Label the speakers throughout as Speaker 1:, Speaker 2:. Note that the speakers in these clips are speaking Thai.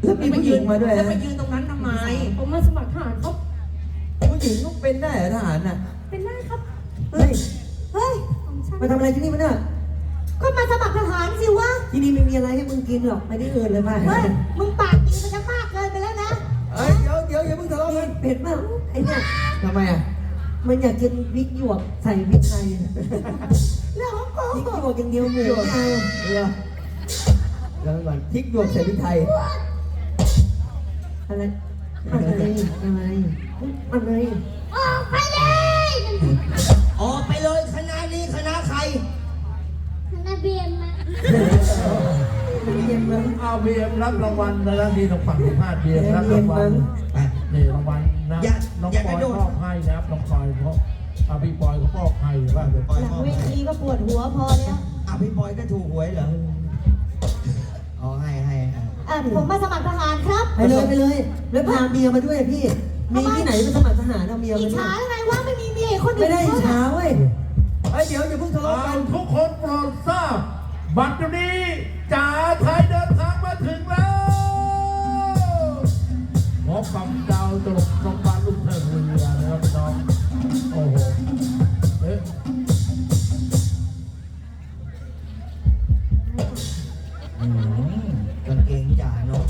Speaker 1: แล้วมีผู้หญิงมาด้วย
Speaker 2: แล้ว
Speaker 1: นะ
Speaker 2: ไปยืนตรงนั้นทำไม
Speaker 3: ผมมาสมัครทหารครับ
Speaker 1: ผู้หญิงต้องเป็นได้เหรอทหารน่ะ
Speaker 3: เป็นได้ครับ
Speaker 1: เฮ้ย
Speaker 4: เฮ้ย
Speaker 3: ของฉัน
Speaker 1: มาทำอะไรที่นี่วะเนี่ย
Speaker 4: ก็มาสมัครทหารสิวะ
Speaker 1: ที่นี่ไม่มีอะไรให้มึงกินหรอกไปที่อื่นเลยไป
Speaker 4: เฮ้ย มึงปากดีมันจะมากเกินไปแล้วนะ
Speaker 1: เฮ้ยเดี๋ยวอย่าเพิ่งทะเลาะกัน
Speaker 4: เผ็ดมากไอ้เนี่ย
Speaker 1: ทำไมอ่ะ
Speaker 4: มันอยากกินพริกหยวกใส่พริกไทยเรื่องของกู
Speaker 1: พริกหยวกอย่างเดียวหมูไงแล้วก่อนพริกหยวกใส่พริกไทย
Speaker 4: อะไรอะไรอะไร
Speaker 3: ออกไปเลย
Speaker 2: ออกไปเลยคณะนี้คณะใคร
Speaker 3: คณะเบียนมา
Speaker 1: เย็นมั้ง
Speaker 5: เอาเบียมรับรางวัลแล้วนี่ต้องฝั่งที่พลาดเบียมรับรางวัลนี่รางวัลนะน้องปอยมอบให้นะครับน้องปอยเพราะพี่ปอยก็มอบให้ว่าเดี๋ยวปอย
Speaker 4: หลัง
Speaker 5: มอบ
Speaker 4: เว
Speaker 5: ให้
Speaker 4: ทีก็ปวดหัวพอแล้ว
Speaker 2: พี่บอยก็ถูกหวยเหรออ๋อให้
Speaker 4: ผมมาสมัครทหารครับ
Speaker 1: ไปเลยแล้วพาเมียมาด้วยพี่มีที่ไหนไปสมัครทหารเอาเมีย
Speaker 4: อิ
Speaker 1: มา
Speaker 4: จ
Speaker 1: ด้ว
Speaker 4: ฉาย ไงว่าไม่มีเมียอีกคนอื่น
Speaker 1: ไม่ได้อิจฉา
Speaker 4: เขา
Speaker 1: เว้ยเฮ้ยเดี๋ยวอย่าเพิ่งทะเลาะกัน
Speaker 5: ทุกคนโปรดทราบบัดนี้จ่าไทยเดินทางมาถึงแล้วพบกับดาวตลกน้องบานลูกเทพเรือนะครับพี่น้องโอ้โหเอ๊ะ
Speaker 2: กางเกงจ่าเนาะ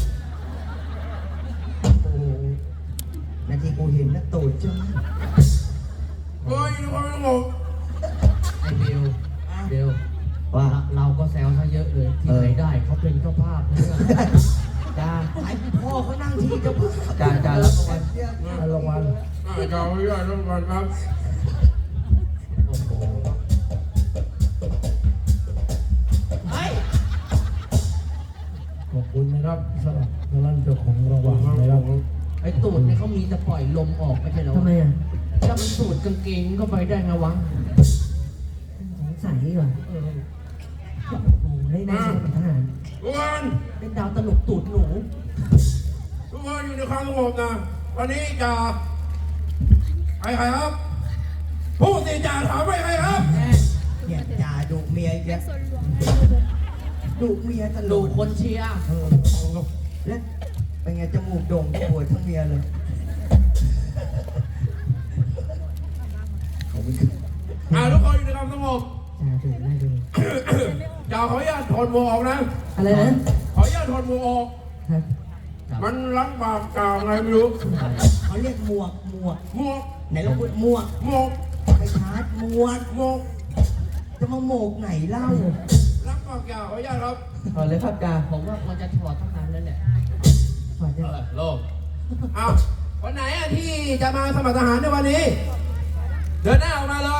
Speaker 2: โอ้โหนาทีกูเห็นนะตูดจ้า
Speaker 5: เฮ้ยทุกคนสงบ
Speaker 6: ไอเบลเบล
Speaker 2: ว่า
Speaker 6: เราก็แซวซะเยอะเลย ที่ไหนได้เขาเป็นเจ้าภาพนะเนี่ย
Speaker 2: จ้าไอพ่อเขานั่งที่เจ้าพ่อ
Speaker 1: จ่ารับรางวัล
Speaker 5: รางวัลเจ้าไม่ได้รางวัลครับ
Speaker 6: โอ้โห
Speaker 2: เฮ้ย
Speaker 5: ขอบคุณนะครับสำหรับท่านเจ้าของรางวัลนะครับ
Speaker 6: ไอตูดเนี่ยเขามีแต่ปล่อยลมออกไม่ใช่เหรอ
Speaker 4: ทำไมอ่ะ
Speaker 6: ถ้ามันสูดกางเกงเข้าไปได้ไงวะ
Speaker 4: สงสัยก่อน
Speaker 6: เออ
Speaker 4: โอ้ได้ได้สมัครทหาร
Speaker 5: ทุกคน
Speaker 6: เป็นดาวตลกตูดหนู
Speaker 5: ทุกคนอยู่ในความสงบนะวันนี้จะใครครับ ผู้สิจ่าถามไปใครครับ
Speaker 2: เนี่ยจ่าดุเมียอีกแล้วดุเมียตล
Speaker 6: ดู
Speaker 2: อด
Speaker 6: คนเชียร์
Speaker 2: แล้วเป็นไงจมูกโด่งปวดทั้งเมียเลยขอบคุณครับ
Speaker 5: ทุกคนอยู่ในความสงบ
Speaker 4: จ่าถึงได้ดู
Speaker 5: จ่าขออนุญาตถอดหมวกออกนะ
Speaker 4: อะไรนะ
Speaker 5: ขออนุญาตถอดหมวกออก
Speaker 4: ครับ
Speaker 5: มันล้างบาปกล่าวไงไม่รู้
Speaker 2: เขาเรียกหมวก
Speaker 5: หมวก
Speaker 2: ไหนเราพูดหมวก
Speaker 5: หมวก
Speaker 2: ไปชาร์จหมวก
Speaker 5: หมวก
Speaker 2: จะมาโหมกไหนเล่า
Speaker 5: ล้างบาปกล่าวขออนุญาตครับ
Speaker 1: เอาเลยครับจ่า
Speaker 6: ผมว่ามันจะถอดทั้งนั้นแล้วแหละ
Speaker 4: สวัสดี
Speaker 5: โลกอ้าววันไหนที่จะมาสมัครทหารในวันนี้ เดินหน้าออกมาเลย